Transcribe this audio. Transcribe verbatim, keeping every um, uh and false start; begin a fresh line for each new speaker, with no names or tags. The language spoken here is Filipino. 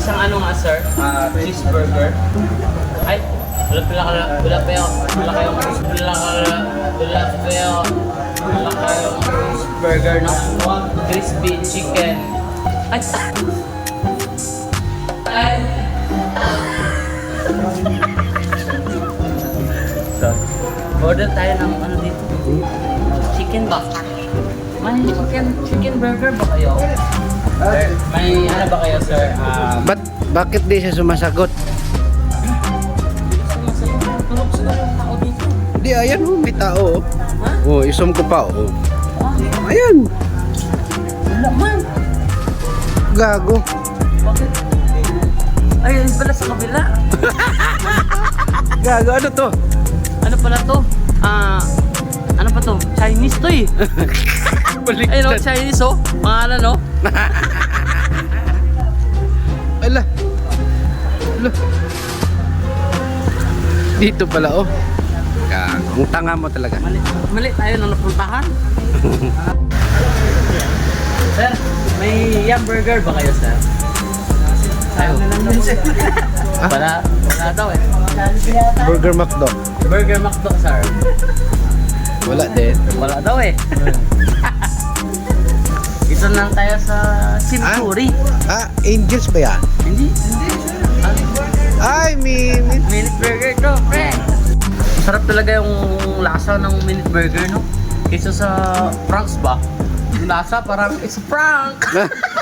isang ano nga sir, ah, cheeseburger. Ay, wala pala kala, wala pa yun, wala kayong, wala kala, wala pa yun, wala kayong cheeseburger no? Crispy chicken. Ay, ay. So, order tayo ng ano dito? Chicken ba? May chicken, chicken burger ba kayo? Sir, may ano ba kayo sir? Um,
Ba't, bakit di siya sumasagot?
tulog sila yung tao dito.
Di, ayan oh, may tao oh.
Ha?
Oh, isum ko pa oh.
Ah,
Ayan,
wala man.
gago.
Bakit? Ay, yun pala sa kabila.
Gago, ano to?
Ano pala to? Ah, ano pa to? Chinese to eh. Ayun oh, Chinese oh. Pangalan oh.
Ala. Ala. Dito pala oh. Gago, ang tanga mo talaga.
Mali, mali tayo na napuntahan. Sir, may yum burger ba kayo sir? Ayaw. Wala, wala daw eh.
Burger McDo.
Burger McDo sir.
Wala din.
Wala daw eh. Ito lang tayo sa Century.
Ah, Angels ba yan?
Hindi, hindi.
Ay, min.
Minute burger to, pre. Sarap talaga yung lasa ng minute burger, no? Kaysa sa Franks ba? Yung lasa parang it's a prank.